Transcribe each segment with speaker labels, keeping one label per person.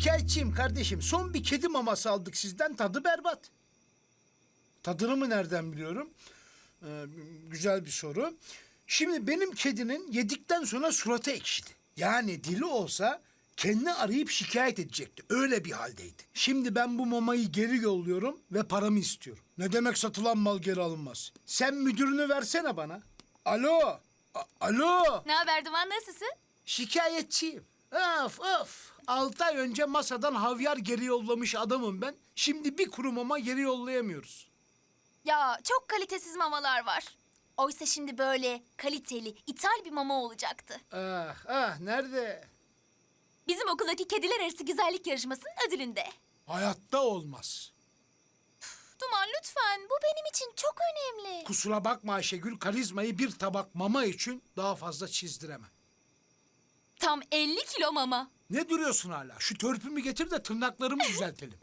Speaker 1: Şikayetçiyim kardeşim. Son bir kedi maması aldık sizden, tadı berbat. Tadını mı nereden biliyorum? Güzel bir soru. Şimdi benim kedinin yedikten sonra suratı ekşidi. Yani dili olsa kendini arayıp şikayet edecekti. Öyle bir haldeydi. Şimdi ben bu mamayı geri yolluyorum ve paramı istiyorum. Ne demek satılan mal geri alınmaz? Sen müdürünü versene bana. Alo. Alo.
Speaker 2: Ne haber Duman, nasılsın?
Speaker 1: Şikayetçiyim. Of of. 6 ay önce masadan havyar geri yollamış adamım ben. Şimdi bir kuru mama geri yollayamıyoruz.
Speaker 2: Ya çok kalitesiz mamalar var. Oysa şimdi böyle kaliteli, ithal bir mama olacaktı.
Speaker 1: Nerede?
Speaker 2: Bizim okuldaki kediler arası güzellik yarışmasının ödülünde.
Speaker 1: Hayatta olmaz.
Speaker 2: Duman lütfen, bu benim için çok önemli.
Speaker 1: Kusura bakma Ayşegül, karizmayı bir tabak mama için daha fazla çizdiremem.
Speaker 2: Tam 50 kilo mama.
Speaker 1: Ne duruyorsun hala? Şu törpümü getir de tırnaklarımı düzeltelim.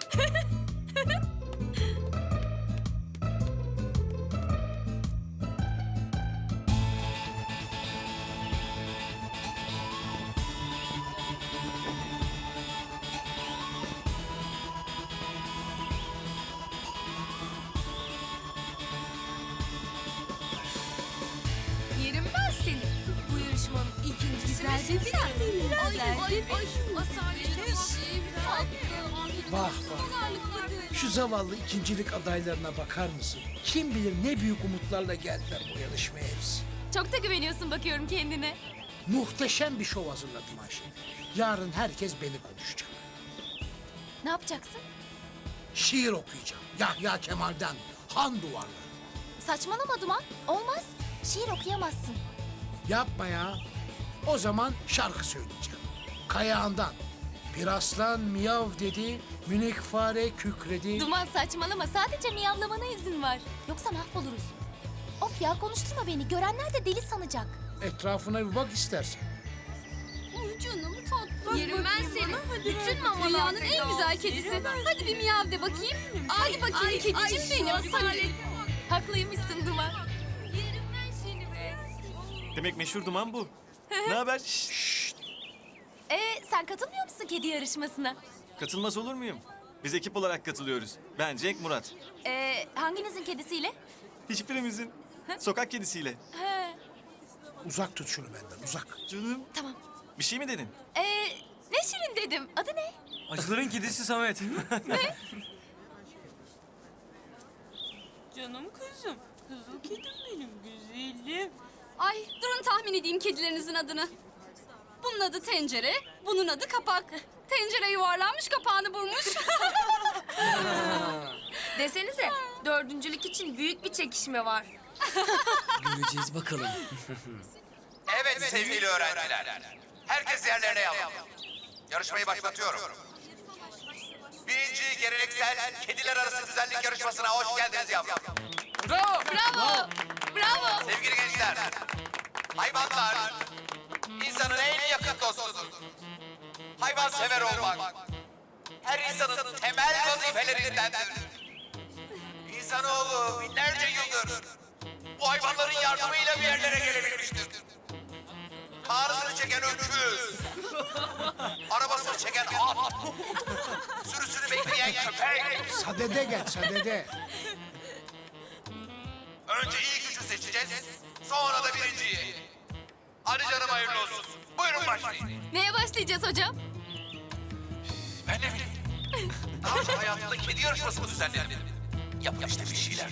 Speaker 3: Yerim ben seni. Bu yarışmanın ikincisi ve sen.
Speaker 1: Vah vah. Şu zavallı ikincilik adaylarına bakar mısın? Kim bilir ne büyük umutlarla geldiler bu yarışmaya hepsi.
Speaker 2: Çok da güveniyorsun bakıyorum kendine.
Speaker 1: Muhteşem bir şov hazırladım Ayşe. Yarın herkes beni konuşacak.
Speaker 2: Ne yapacaksın?
Speaker 1: Şiir okuyacağım. Yahya Kemal'den Han Duvarları.
Speaker 2: Saçmalama Duman. Olmaz. Şiir okuyamazsın.
Speaker 1: Yapma ya. O zaman şarkı söyleyeceğim. Kayağından. Bir aslan miyav dedi, minik fare kükredi.
Speaker 2: Duman saçmalama. Sadece miyavlamana izin var. Yoksa mahvoluruz. Of ya, konuşturma beni. Görenler de deli sanacak.
Speaker 1: Etrafına bir bak istersen.
Speaker 3: Canım tatlı. Yerim ben seni. Bütün mamalar. Dünyanın en güzel kedisi. Hadi bir miyav de bakayım. Hadi bakayım kedicim benim. Hadi.
Speaker 2: Haklıymışsın Duman.
Speaker 3: Yerim ben seni be.
Speaker 4: Demek meşhur Duman bu. Ne haber?
Speaker 2: Sen katılmıyor musun kedi yarışmasına?
Speaker 4: Katılmaz olur muyum? Biz ekip olarak katılıyoruz. Ben Cenk, Murat.
Speaker 2: Hanginizin kedisiyle?
Speaker 4: Hiçbirimizin. Sokak kedisiyle.
Speaker 1: Uzak tut şunu benden, uzak.
Speaker 4: Canım.
Speaker 2: Tamam.
Speaker 4: Bir şey mi dedin?
Speaker 2: Ne şirin dedim. Adı ne?
Speaker 4: Acıların kedisi Samet.
Speaker 5: Canım kızım. Kızıl kedim benim güzelim.
Speaker 3: Ay durun tahmin edeyim kedilerinizin adını. Bunun adı tencere, bunun adı kapak. Tencere yuvarlanmış, kapağını vurmuş. Desenize, dördüncülük için büyük bir çekişme var.
Speaker 6: Göreceğiz bakalım.
Speaker 7: Evet sevgili öğrenciler. Herkes yerlerine yapalım. Yarışmayı başlatıyorum. Birinci geleneksel kediler arası güzellik yarışmasına hoş geldiniz yavrum.
Speaker 3: Bravo! Bravo!
Speaker 7: Sevgili gençler, hayvanlar insanın en yakın dostudur. Hayvansever olmak her insanın temel vazifelerindendir. İnsanoğlu binlerce yıldır bu hayvanların yardımıyla bir yerlere gelebilmiştir. Ağrısını çeken öküz, arabasını çeken at, sürüsünü bekleyen köpek.
Speaker 1: Sadede gel, sadede.
Speaker 7: Önce ilk üçü seçeceğiz, sonra da birinciyi. Hadi canım hayırlı olsun. Buyurun başlayın.
Speaker 2: Neye başlayacağız hocam?
Speaker 7: Ben ne bileyim. Daha önce hayatımda kedi yarışması mı düzenledim? Yapın işte bir şeyler.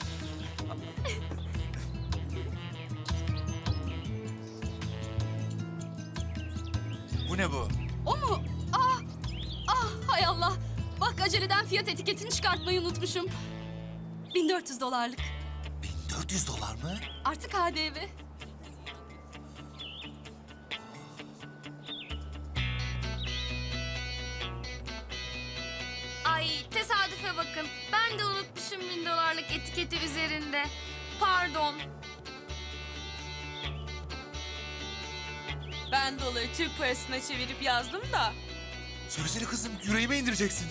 Speaker 7: Bu ne bu?
Speaker 3: O mu? Hay Allah. Bak aceleden fiyat etiketini çıkartmayı unutmuşum. $1400.
Speaker 7: 1400 dolar mı?
Speaker 3: Artık KDV. Ay tesadüfe bakın. Ben de unutmuşum $1000'lık etiketi üzerinde. Pardon.
Speaker 5: Ben doları Türk parasına çevirip yazdım da.
Speaker 7: Söylesene kızım, yüreğime indireceksin.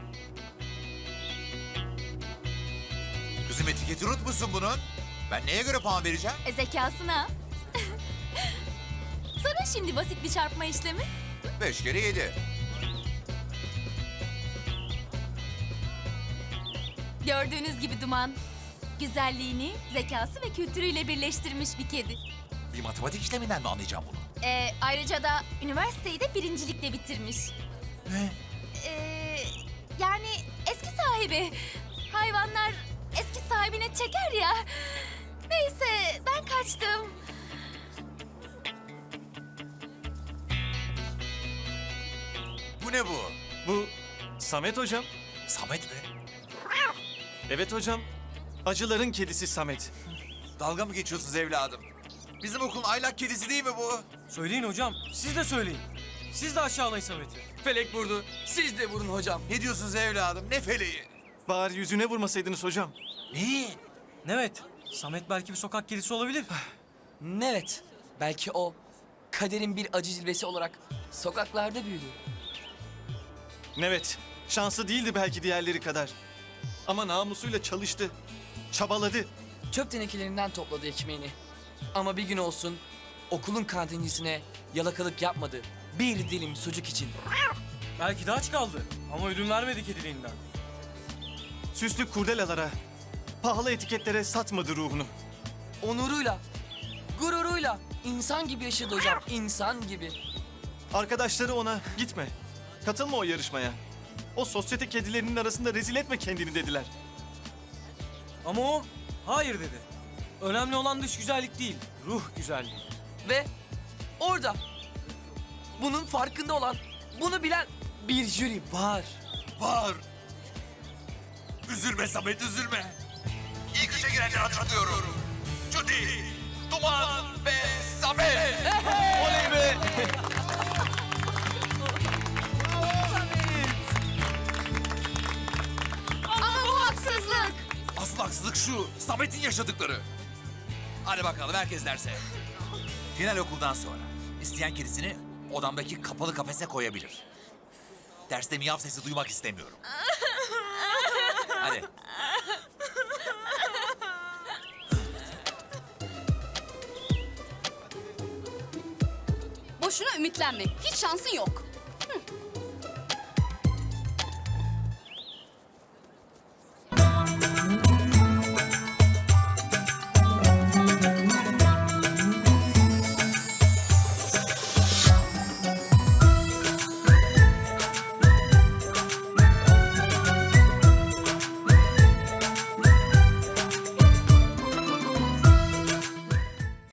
Speaker 7: Kızım etiketi unutmuşsun bunun. Ben neye göre puan vereceğim?
Speaker 2: Zekasına. Sana şimdi basit bir çarpma işlemi.
Speaker 7: 5 kere 7.
Speaker 2: Gördüğünüz gibi Duman, güzelliğini, zekası ve kültürüyle birleştirmiş bir kedi.
Speaker 7: Bir matematik işleminden mi anlayacağım bunu?
Speaker 2: Ayrıca da üniversiteyi de birincilikle bitirmiş.
Speaker 7: Ne?
Speaker 2: Yani eski sahibi. Hayvanlar eski sahibine çeker ya. Neyse ben kaçtım.
Speaker 7: Bu ne bu?
Speaker 4: Bu Samet hocam.
Speaker 7: Samet mi?
Speaker 4: Evet hocam. Acıların kedisi Samet.
Speaker 7: Dalga mı geçiyorsunuz evladım? Bizim okulun aylak kedisi değil mi bu?
Speaker 6: Söyleyin hocam. Siz de söyleyin. Siz de aşağılayın Samet'i.
Speaker 8: Felek vurdu. Siz de vurun hocam.
Speaker 7: Ne diyorsunuz evladım? Ne feleği?
Speaker 4: Bari yüzüne vurmasaydınız hocam.
Speaker 7: Neyi?
Speaker 6: Evet. Samet belki bir sokak kedisi olabilir.
Speaker 8: Evet. Belki o kaderin bir acı cilvesi olarak sokaklarda büyüdü.
Speaker 4: Evet, şanslı değildi belki diğerleri kadar. Ama namusuyla çalıştı, çabaladı.
Speaker 8: Çöp tenekelerinden topladı ekmeğini. Ama bir gün olsun okulun kantincisine yalakalık yapmadı. Bir dilim sucuk için.
Speaker 6: Belki de aç kaldı. Ama ödün vermedi kediliğinden.
Speaker 4: Süslü kurdelalara, pahalı etiketlere satmadı ruhunu.
Speaker 8: Onuruyla, gururuyla insan gibi yaşadı hocam. İnsan gibi.
Speaker 4: Arkadaşları ona gitme, katılma o yarışmaya. O sosyete kedilerinin arasında rezil etme kendini dediler.
Speaker 6: Ama o hayır dedi. Önemli olan dış güzellik değil, ruh güzelliği.
Speaker 8: Ve orada bunun farkında olan, bunu bilen bir jüri var.
Speaker 7: Var. Üzülme Samet, üzülme. İlk üçe girenleri hatırlıyorum. Judy, Duman ve Samet.
Speaker 4: Oley be!
Speaker 3: Ama bu haksızlık.
Speaker 7: Asıl haksızlık şu, Samet'in yaşadıkları. Hadi bakalım herkes derse. Final okuldan sonra isteyen kedisini odamdaki kapalı kafese koyabilir. Derste miyav sesi duymak istemiyorum. Hadi.
Speaker 3: Boşuna ümitlenme. Hiç şansın yok.